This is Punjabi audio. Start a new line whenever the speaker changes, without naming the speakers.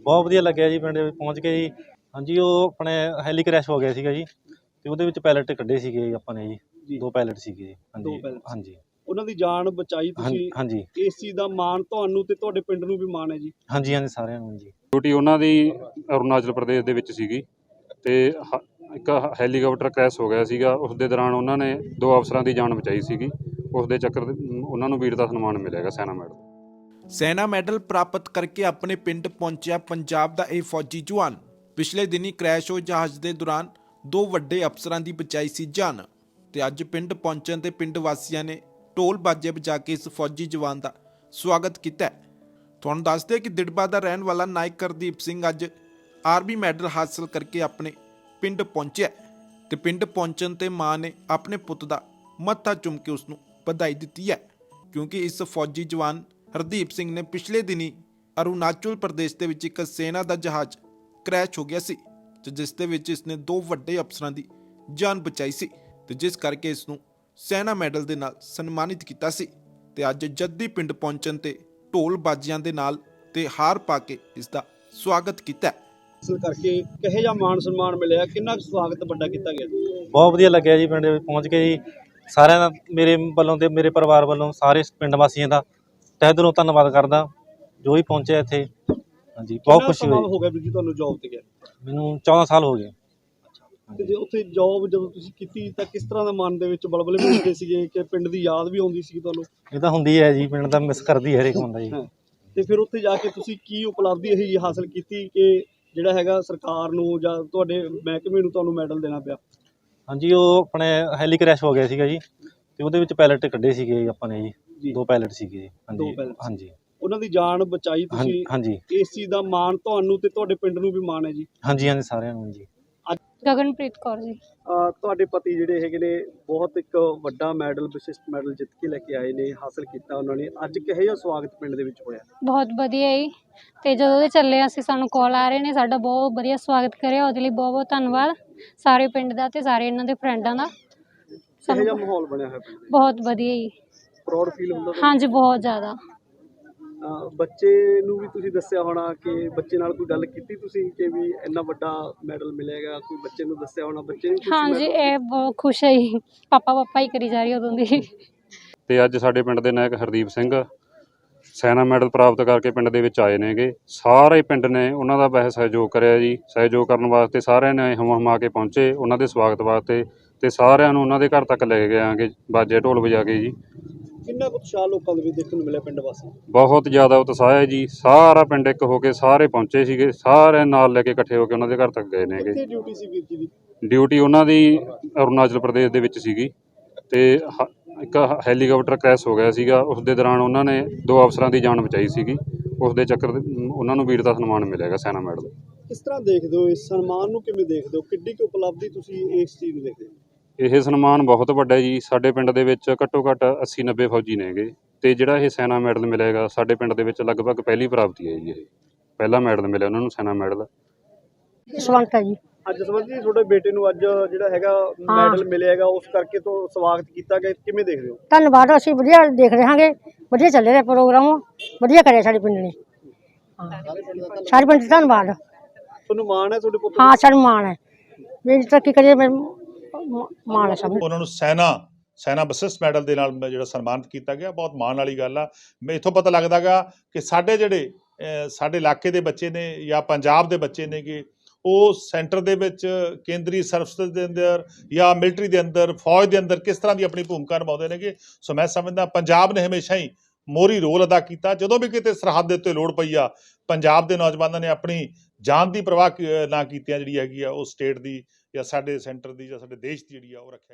ਬਹੁਤ ਵਧੀਆ ਲੱਗਿਆ ਜੀ ਪਿੰਡ ਵਿੱਚ ਪਹੁੰਚ ਕੇ ਜੀ। ਹਾਂਜੀ, ਉਹ ਆਪਣੇ ਹੈਲੀ ਕ੍ਰੈਸ਼ ਹੋ ਗਿਆ ਸੀਗਾ ਜੀ ਤੇ ਉਹਦੇ ਵਿੱਚ ਪਾਇਲਟ ਕੱਢੇ ਸੀਗੇ ਆਪਾਂ ਨੇ ਜੀ। 2 ਪਾਇਲਟ ਸੀਗੇ ਜੀ। ਹਾਂਜੀ ਹਾਂਜੀ,
ਉਹਨਾਂ ਦੀ ਜਾਨ ਬਚਾਈ ਤੁਸੀਂ।
ਹਾਂਜੀ
ਇਸ ਚੀਜ਼ ਦਾ ਮਾਣ ਤੁਹਾਨੂੰ ਤੇ ਤੁਹਾਡੇ ਪਿੰਡ ਨੂੰ ਵੀ ਮਾਣ ਹੈ ਜੀ।
ਹਾਂਜੀ ਹਾਂਜੀ, ਸਾਰਿਆਂ ਨੂੰ ਜੀ।
ਡਿਊਟੀ ਉਹਨਾਂ ਦੀ ਅਰੁਣਾਚਲ ਪ੍ਰਦੇਸ਼ ਦੇ ਵਿੱਚ ਸੀਗੀ ਤੇ ਇੱਕ ਹੈਲੀਕਾਪਟਰ ਕ੍ਰੈਸ਼ ਹੋ ਗਿਆ ਸੀਗਾ। ਉਸ ਦੇ ਦੌਰਾਨ ਉਹਨਾਂ ਨੇ 2 ਅਫਸਰਾਂ ਦੀ ਜਾਨ ਬਚਾਈ ਸੀਗੀ। ਉਸ ਦੇ ਚੱਕਰ ਉਹਨਾਂ ਨੂੰ ਵੀਰਤਾ ਸਨਮਾਨ ਮਿਲੇਗਾ ਸੈਨਾ ਮੈਡਲ।
ਸੈਨਾ ਮੈਡਲ ਪ੍ਰਾਪਤ ਕਰਕੇ ਆਪਣੇ ਪਿੰਡ ਪਹੁੰਚਿਆ ਪੰਜਾਬ ਦਾ ਇਹ ਫੌਜੀ ਜਵਾਨ ਪਿਛਲੇ ਦਿਨੀ ਕ੍ਰੈਸ਼ ਹੋਏ ਜਹਾਜ਼ ਦੇ ਦੌਰਾਨ 2 ਵੱਡੇ ਅਫਸਰਾਂ ਦੀ ਬਚਾਈ ਸੀ ਜਾਨ ਤੇ ਅੱਜ ਪਿੰਡ ਪਹੁੰਚਣ ਤੇ ਪਿੰਡ ਵਾਸੀਆਂ ਨੇ ਢੋਲ ਬਾਜੇ ਵਜਾ ਕੇ ਇਸ ਫੌਜੀ ਜਵਾਨ ਦਾ ਸਵਾਗਤ ਕੀਤਾ। ਤੁਹਾਨੂੰ ਦੱਸਦੇ ਕਿ ਦਿੜਬਾ ਦਾ ਰਹਿਣ ਵਾਲਾ ਨਾਇਕ ਹਰਦੀਪ ਸਿੰਘ ਅੱਜ ਆਰਮੀ ਮੈਡਲ ਹਾਸਲ ਕਰਕੇ ਆਪਣੇ ਪਿੰਡ ਪਹੁੰਚਿਆ ਤੇ ਪਿੰਡ ਪਹੁੰਚਣ ਤੇ ਮਾਂ ਨੇ ਆਪਣੇ ਪੁੱਤ ਦਾ ਮੱਥਾ ਚੁੰਮ ਕੇ ਉਸ ਨੂੰ ਵਧਾਈ ਦਿੱਤੀ ਹੈ, ਕਿਉਂਕਿ ਇਸ ਫੌਜੀ ਜਵਾਨ ਹਰਦੀਪ ਸਿੰਘ ਨੇ ਪਿਛਲੇ ਦਿਨੀ ਅਰੁਣਾਚਲ ਪ੍ਰਦੇਸ਼ ਦੇ ਵਿੱਚ ਇੱਕ ਸੈਨਾ ਦਾ ਜਹਾਜ਼ ਕ੍ਰੈਸ਼ ਹੋ ਗਿਆ ਸੀ ਤੇ ਜਿਸ ਦੇ ਵਿੱਚ ਇਸਨੇ 2 ਵੱਡੇ ਅਫਸਰਾਂ ਦੀ ਜਾਨ ਬਚਾਈ ਸੀ ਤੇ ਜਿਸ ਕਰਕੇ ਇਸ ਨੂੰ ਸੈਨਾ ਮੈਡਲ ਦੇ ਨਾਲ ਸਨਮਾਨਿਤ ਕੀਤਾ ਸੀ ਤੇ ਅੱਜ ਜੱਦੀ ਪਿੰਡ ਪਹੁੰਚਣ ਤੇ ਢੋਲ ਬਾਜਿਆਂ ਦੇ ਨਾਲ ਤੇ ਹਾਰ ਪਾ ਕੇ ਇਸ ਦਾ ਸਵਾਗਤ ਕੀਤਾ।
ਹਾਸਲ ਕਰਕੇ ਕਿਹੋ ਜਿਹਾ ਮਾਣ ਸਨਮਾਨ ਮਿਲਿਆ, ਕਿੰਨਾ ਸਵਾਗਤ ਵੱਡਾ ਕੀਤਾ ਗਿਆ?
ਬਹੁਤ ਵਧੀਆ ਲੱਗਿਆ ਜੀ ਪਿੰਡ ਵਿੱਚ ਪਹੁੰਚ ਕੇ ਜੀ। ਸਾਰਿਆਂ ਦਾ ਮੇਰੇ ਵੱਲੋਂ ਤੇ ਮੇਰੇ ਪਰਿਵਾਰ ਵੱਲੋਂ ਸਾਰੇ ਪਿੰਡ ਵਾਸੀਆਂ ਦਾ ਤਹਿ ਦਿਲੋਂ ਧੰਨਵਾਦ ਕਰਦਾ ਜੋ ਵੀ ਪਹੁੰਚਿਆ ਇੱਥੇ। ਹਾਂਜੀ, ਬਹੁਤ ਖੁਸ਼ੀ ਹੋਈ।
ਹੋ ਗਿਆ ਵੀਰ ਜੀ ਤੁਹਾਨੂੰ ਜੌਬ ਤੇ ਗਿਆ?
ਮੈਨੂੰ 14 ਸਾਲ ਹੋ ਗਏ।
ਤੇ ਜੇ ਉੱਥੇ ਜੌਬ ਜਦੋਂ ਤੁਸੀਂ ਕੀਤੀ ਤਾਂ ਕਿਸ ਤਰ੍ਹਾਂ ਦਾ ਮਨ ਦੇ ਵਿੱਚ ਬਲਬਲੇ ਵੀ ਹੁੰਦੇ ਸੀਗੇ ਕਿ ਪਿੰਡ ਦੀ ਯਾਦ ਵੀ ਆਉਂਦੀ ਸੀ ਤੁਹਾਨੂੰ?
ਇਹ ਤਾਂ ਹੁੰਦੀ ਹੈ ਜੀ, ਪਿੰਡ ਦਾ ਮਿਸ ਕਰਦੀ ਹੈ ਹਰੇਕ ਬੰਦਾ ਜੀ।
ਤੇ ਫਿਰ ਉੱਥੇ ਜਾ ਕੇ ਤੁਸੀਂ ਕੀ ਉਪਲਬਧੀ ਇਹ ਹਾਸਲ ਕੀਤੀ ਕਿ ਜਿਹੜਾ ਹੈਗਾ ਸਰਕਾਰ ਨੂੰ ਜਾਂ ਤੁਹਾਡੇ ਮਹਿਕਮੇ ਨੂੰ ਤੁਹਾਨੂੰ ਮੈਡਲ ਦੇਣਾ ਪਿਆ?
ਹਾਂਜੀ, ਉਹ ਆਪਣੇ ਹੈਲੀ ਕ੍ਰੈਸ਼ ਹੋ ਗਿਆ ਸੀਗਾ ਜੀ ਤੇ ਉਹਦੇ ਵਿੱਚ ਪਾਇਲਟ ਕੱਢੇ ਸੀਗੇ ਆਪਾਂ ਨੇ ਜੀ। 2 ਪਾਇਲਟ ਸੀਗੇ ਜੀ। ਹਾਂਜੀ ਹਾਂਜੀ,
ਉਹਨਾਂ ਦੀ ਜਾਨ ਬਚਾਈ ਤੁਸੀਂ।
ਹਾਂਜੀ,
ਇਸ ਚੀਜ਼ ਦਾ ਮਾਣ ਤੁਹਾਨੂੰ ਤੇ ਤੁਹਾਡੇ ਪਿੰਡ ਨੂੰ ਵੀ ਮਾਣ ਹੈ ਜੀ।
ਹਾਂਜੀ ਹਾਂਜੀ, ਸਾਰਿਆਂ ਨੂੰ ਜੀ।
ਗਗਨਪ੍ਰੀਤ ਕੌਰ ਜੀ।
ਤੁਹਾਡੇ ਪਤੀ ਜਿਹੜੇ ਹੈਗੇ ਨੇ ਬਹੁਤ ਇੱਕ ਵੱਡਾ ਮੈਡਲ, ਵਿਸ਼ਿਸ਼ਟ ਮੈਡਲ ਜਿੱਤ ਕੇ ਲੈ ਕੇ ਆਏ ਨੇ, ਹਾਸਲ ਕੀਤਾ ਉਹਨਾਂ ਨੇ। ਅੱਜ ਕਿਹੋ ਜਿਹਾ ਸਵਾਗਤ ਪਿੰਡ ਦੇ ਵਿੱਚ ਹੋਇਆ?
ਬਹੁਤ ਵਧੀਆ ਜੀ। ਤੇ ਜਦੋਂ ਦੇ ਚੱਲੇ ਅਸੀਂ ਸਾਨੂੰ ਕਾਲ ਆ ਰਹੇ ਨੇ, ਸਾਡਾ ਬਹੁਤ ਵਧੀਆ ਸਵਾਗਤ ਕਰਿਆ, ਉਹਦੇ ਲਈ ਬਹੁਤ ਬਹੁਤ ਧੰਨਵਾਦ ਸਾਰੇ ਪਿੰਡ ਦਾ ਤੇ ਸਾਰੇ ਇਹਨਾਂ ਦੇ ਫਰੈਂਡਾਂ ਦਾ।
ਕਿਹੋ ਜਿਹਾ ਮਾਹੌਲ ਬਣਿਆ ਹੋਇਆ ਪਿੰਡ?
ਬਹੁਤ ਵਧੀਆ ਜੀ।
ਪ੍ਰਾਊਡ ਫੀਲ ਹੁੰਦਾ?
ਹਾਂਜੀ, ਬਹੁਤ ਜ਼ਿਆਦਾ।
ਬੱਚੇ ਨੂੰ ਵੀ ਤੁਸੀਂ ਦੱਸਿਆ ਹੋਣਾ ਕਿ ਬੱਚੇ ਨਾਲ ਕੋਈ ਗੱਲ ਕੀਤੀ ਤੁਸੀਂ ਕਿ ਵੀ ਇੰਨਾ ਵੱਡਾ ਮੈਡਲ ਮਿਲੇਗਾ? ਕੋਈ ਬੱਚੇ ਨੂੰ ਦੱਸਿਆ ਹੋਣਾ, ਬੱਚੇ ਨੂੰ?
ਹਾਂਜੀ, ਇਹ ਬਹੁਤ ਖੁਸ਼ ਹੈ ਜੀ। ਪਾਪਾ ਹੀ ਕਰੀ ਜਾ ਰਹੀ ਉਦੋਂ ਦੀ।
ਤੇ ਅੱਜ ਸਾਡੇ ਪਿੰਡ ਦੇ ਨਾਇਕ ਹਰਦੀਪ ਸਿੰਘ ਸੈਨਾ ਮੈਡਲ ਪ੍ਰਾਪਤ ਕਰਕੇ ਪਿੰਡ ਦੇ ਵਿੱਚ ਆਏ ਨੇਗੇ। ਸਾਰੇ ਪਿੰਡ ਨੇ ਉਹਨਾਂ ਦਾ ਬਹੁਤ ਸਹਿਯੋਗ ਕਰਿਆ ਜੀ। ਸਹਿਯੋਗ ਕਰਨ ਵਾਸਤੇ ਸਾਰਿਆਂ ਨੇ ਹਮਾ ਕੇ ਪਹੁੰਚੇ ਉਹਨਾਂ ਦੇ ਸਵਾਗਤ ਵਾਸਤੇ ਤੇ ਸਾਰਿਆਂ ਨੂੰ ਉਹਨਾਂ ਦੇ ਘਰ ਤੱਕ ਲੈ ਕੇ ਆਂਗੇ ਬਾਜੇ ਢੋਲ ਵਜਾ ਕੇ ਜੀ।
ਕਿੰਨਾ ਕੁ ਉਤਸ਼ਾਹ ਲੋਕਾਂ ਦੇ ਵਿੱਚ ਦੇਖਣ ਨੂੰ ਮਿਲਿਆ ਪਿੰਡ ਵਾਸੀ?
ਬਹੁਤ ਜ਼ਿਆਦਾ ਉਤਸ਼ਾਹ ਹੈ ਜੀ। ਸਾਰਾ ਪਿੰਡ ਇੱਕ ਹੋ ਕੇ ਸਾਰੇ ਪਹੁੰਚੇ ਸੀਗੇ, ਸਾਰੇ ਨਾਲ ਲੈ ਕੇ ਇਕੱਠੇ ਹੋ ਕੇ ਉਹਨਾਂ ਦੇ ਘਰ ਤੱਕ ਗਏ ਨੇਗੇ।
ਕਿੱਥੇ ਡਿਊਟੀ ਸੀ ਵੀਰ ਜੀ ਦੀ?
ਡਿਊਟੀ ਉਹਨਾਂ ਦੀ ਅਰੁਣਾਚਲ ਪ੍ਰਦੇਸ਼ ਦੇ ਵਿੱਚ ਸੀਗੀ ਤੇ ਇੱਕ ਹੈਲੀਕਾਪਟਰ ਕ੍ਰੈਸ਼ ਹੋ ਗਿਆ ਸੀਗਾ। ਉਸ ਦੇ ਦੌਰਾਨ ਉਹਨਾਂ ਨੇ 2 ਅਫਸਰਾਂ ਦੀ ਜਾਨ ਬਚਾਈ ਸੀਗੀ। ਉਸ ਦੇ ਚੱਕਰ ਉਹਨਾਂ ਨੂੰ ਵੀਰਤਾ ਸਨਮਾਨ ਮਿਲੇਗਾ ਸੈਨਾ ਮੈਡਲ।
ਕਿਸ ਤਰ੍ਹਾਂ ਦੇਖਦੇ ਹੋ ਇਸ ਸਨਮਾਨ ਨੂੰ, ਕਿਵੇਂ ਦੇਖਦੇ ਹੋ? ਕਿੱਡੀ ਕੁ ਉਪਲਬਧੀ ਤੁਸੀਂ ਇਸ ਚੀਜ਼ ਨੂੰ ਦੇਖਦੇ ਹੋ?
ਇਹ ਸਨਮਾਨ ਬਹੁਤ ਵੱਡਾ ਜੀ। ਸਾਡੇ ਪਿੰਡ ਦੇ ਵਿੱਚ ਘੱਟੋ ਘੱਟ 80-90 ਫੌਜੀ ਨੇਗੇ ਤੇ ਜਿਹੜਾ ਇਹ ਸੈਨਾ ਮੈਡਲ ਮਿਲੇਗਾ ਸਾਡੇ ਪਿੰਡ ਦੇ ਵਿੱਚ ਲਗਭਗ ਪਹਿਲੀ ਪ੍ਰਾਪਤੀ ਹੈ ਜੀ। ਇਹ ਪਹਿਲਾ ਮੈਡਲ ਮਿਲਿਆ ਉਹਨਾਂ ਨੂੰ, ਸੈਨਾ ਮੈਡਲ।
ਸਵਾਗਤ ਹੈ ਜੀ।
ਅੱਜ ਸਮਝਦੀ ਤੁਹਾਡੇ ਬੇਟੇ ਨੂੰ ਅੱਜ ਜਿਹੜਾ ਹੈਗਾ ਮੈਡਲ ਮਿਲਿਆਗਾ, ਉਸ ਕਰਕੇ ਤੋਂ ਸਵਾਗਤ ਕੀਤਾ ਗਿਆ, ਕਿਵੇਂ ਦੇਖਦੇ ਹੋ?
ਧੰਨਵਾਦ। ਅਸੀਂ ਵਧੀਆ ਦੇਖ ਰਹੇ ਹਾਂਗੇ, ਵਧੀਆ ਚੱਲ ਰਿਹਾ ਪ੍ਰੋਗਰਾਮ, ਵਧੀਆ ਕਰਿਆ ਸਾਡੇ ਪਿੰਡ ਨੇ। ਸਾਰੇ ਪਿੰਡ ਧੰਨਵਾਦ।
ਤੁਹਾਨੂੰ ਮਾਣ ਹੈ ਤੁਹਾਡੇ ਪੁੱਤ?
ਹਾਂ, ਸਾਨੂੰ ਮਾਣ ਹੈ, ਮੇਰੀ ਤਰੱਕੀ ਕਰੀਏ, ਮਾਣ ਹੈ ਸਭ।
ਉਹਨਾਂ ਨੂੰ ਸੈਨਾ ਵਿਸ਼ਿਸ਼ਟ ਮੈਡਲ ਦੇ ਨਾਲ ਜਿਹੜਾ ਸਨਮਾਨਿਤ ਕੀਤਾ ਗਿਆ, ਬਹੁਤ ਮਾਣ ਵਾਲੀ ਗੱਲ ਆ। ਮੈਂ ਇੱਥੋਂ ਪਤਾ ਲੱਗਦਾ ਗਾ ਕਿ ਸਾਡੇ ਜਿਹੜੇ ਸਾਡੇ ਇਲਾਕੇ ਦੇ ਬੱਚੇ ਨੇ ਜਾਂ ਪੰਜਾਬ ਦੇ ਬੱਚੇ ਨੇ ਕਿ ਉਹ ਸੈਂਟਰ ਦੇ ਵਿੱਚ ਕੇਂਦਰੀ ਸਰਵਿਸ ਦੇ ਅੰਦਰ ਜਾਂ ਮਿਲਟਰੀ ਦੇ ਅੰਦਰ, ਫੌਜ ਦੇ ਅੰਦਰ ਕਿਸ ਤਰ੍ਹਾਂ ਦੀ ਆਪਣੀ ਭੂਮਿਕਾ ਨਿਭਾਉਂਦੇ ਨੇਗੇ। ਸੋ ਮੈਂ ਸਮਝਦਾ ਪੰਜਾਬ ਨੇ ਹਮੇਸ਼ਾ ਹੀ ਮੋਹਰੀ ਰੋਲ ਅਦਾ ਕੀਤਾ। ਜਦੋਂ ਵੀ ਕਿਤੇ ਸਰਹੱਦ ਦੇ ਉੱਤੇ ਲੋੜ ਪਈ ਆ, ਪੰਜਾਬ ਦੇ ਨੌਜਵਾਨਾਂ ਨੇ ਆਪਣੀ ਜਾਨ ਦੀ ਪਰਵਾਹ ਨਾ ਕੀਤਿਆਂ ਜਿਹੜੀ ਹੈਗੀ ਆ ਉਹ ਸਟੇਟ ਦੀ ਜਾਂ ਸਾਡੇ ਸੈਂਟਰ ਦੀ ਜਾਂ ਸਾਡੇ ਦੇਸ਼ ਦੀ ਜਿਹੜੀ ਆ ਉਹ ਰੱਖਿਆ।